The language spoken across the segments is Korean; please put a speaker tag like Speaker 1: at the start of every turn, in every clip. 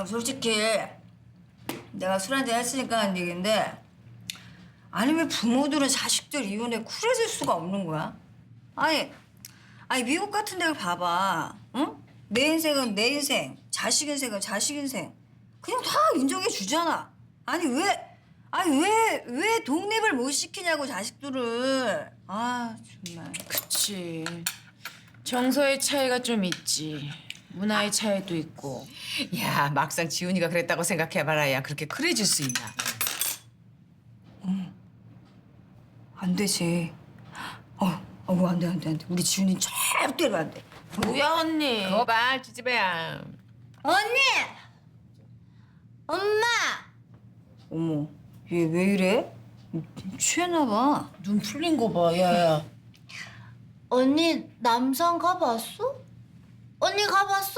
Speaker 1: 솔직히 내가 술 한잔 했으니까 하는 얘기인데 아니 왜 부모들은 자식들 이혼에 쿨해질 수가 없는 거야? 아니 미국 같은 데를 봐봐. 응? 내 인생은 내 인생, 자식 인생은 자식 인생. 그냥 다 인정해 주잖아. 왜 독립을 못 시키냐고 자식들을. 아 정말.
Speaker 2: 그치. 정서의 차이가 좀 있지. 문화의 차이도 있고.
Speaker 3: 야, 막상 지훈이가 그랬다고 생각해봐라. 그렇게 그래질 수 있나?
Speaker 1: 안 되지. 안 돼. 우리 지훈이 절대로 안 돼.
Speaker 2: 뭐야 언니?
Speaker 3: 그거 봐, 지지배야.
Speaker 1: 언니! 엄마! 어머, 얘 왜 이래? 취했나 봐.
Speaker 2: 눈 풀린 거 봐, 야야.
Speaker 4: 언니 남산 가봤어? 언니 가봤어?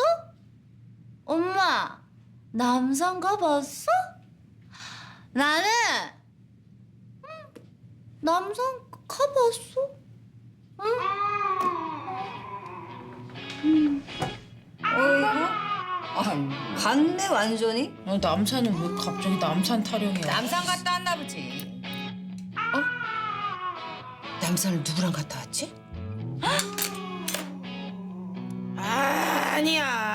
Speaker 4: 엄마 남산 가봤어? 나는 남산 가봤어?
Speaker 1: 어이구. 갔네 완전히.
Speaker 2: 남산은 왜 갑자기 남산 타령이야?
Speaker 3: 남산 갔다 왔나 보지. 남산을 누구랑 갔다 왔지?
Speaker 2: 아니야.